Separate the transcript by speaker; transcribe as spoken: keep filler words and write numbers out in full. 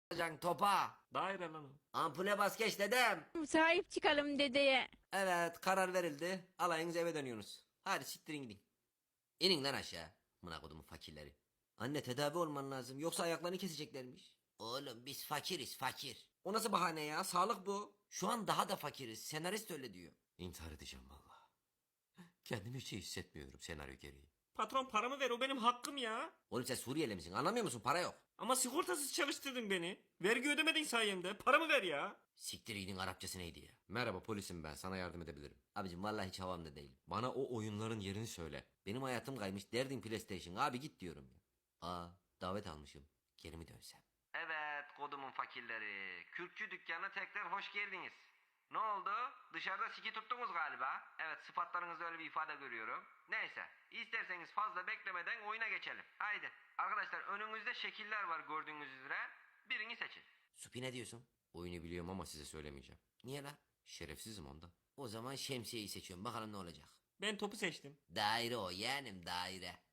Speaker 1: Can topa.
Speaker 2: Daire lan o.
Speaker 1: Ampule bas geç dedem.
Speaker 3: Sahip çıkalım dedeye.
Speaker 1: Evet karar verildi. Alayınız eve dönüyorsunuz. Hadi siktirin gidin. İnin lan aşağı. Mına kodumun fakirleri. Anne tedavi olman lazım. Yoksa ayaklarını keseceklermiş. Oğlum biz fakiriz fakir. O nasıl bahane ya? Sağlık bu. Şu an daha da fakiriz. Senarist öyle diyor. İntihar edeceğim valla. Kendimi hiç iyi hissetmiyorum senaryo gereği.
Speaker 2: Patron paramı ver, o benim hakkım ya.
Speaker 1: Oğlum sen Suriyeli misin? Anlamıyor musun? Para yok.
Speaker 2: Ama sigortasız çalıştırdın beni. Vergi ödemedin sayemde. Paramı ver ya.
Speaker 1: Siktir gidin, Arapçası neydi ya? Merhaba polisim ben, sana yardım edebilirim. Abicim vallahi hiç havamda değilim. Bana o oyunların yerini söyle. Benim hayatım kaymış, derdin PlayStation. Abi git diyorum ya. Aa, davet almışım. Geri mi dönsem? Evet kodumun fakirleri. Kürkçü dükkanına tekrar hoş geldiniz. Ne oldu? Dışarıda siki tuttunuz galiba. Evet, sıfatlarınızda öyle bir ifade görüyorum. Neyse, isterseniz fazla beklemeden oyuna geçelim. Haydi. Arkadaşlar önünüzde şekiller var gördüğünüz üzere. Birini seçin. Supi ne diyorsun? Oyunu biliyorum ama size söylemeyeceğim. Niye la? Şerefsizim onda. O zaman şemsiyeyi seçiyorum, bakalım ne olacak.
Speaker 2: Ben topu seçtim.
Speaker 1: Daire o yeğenim, daire.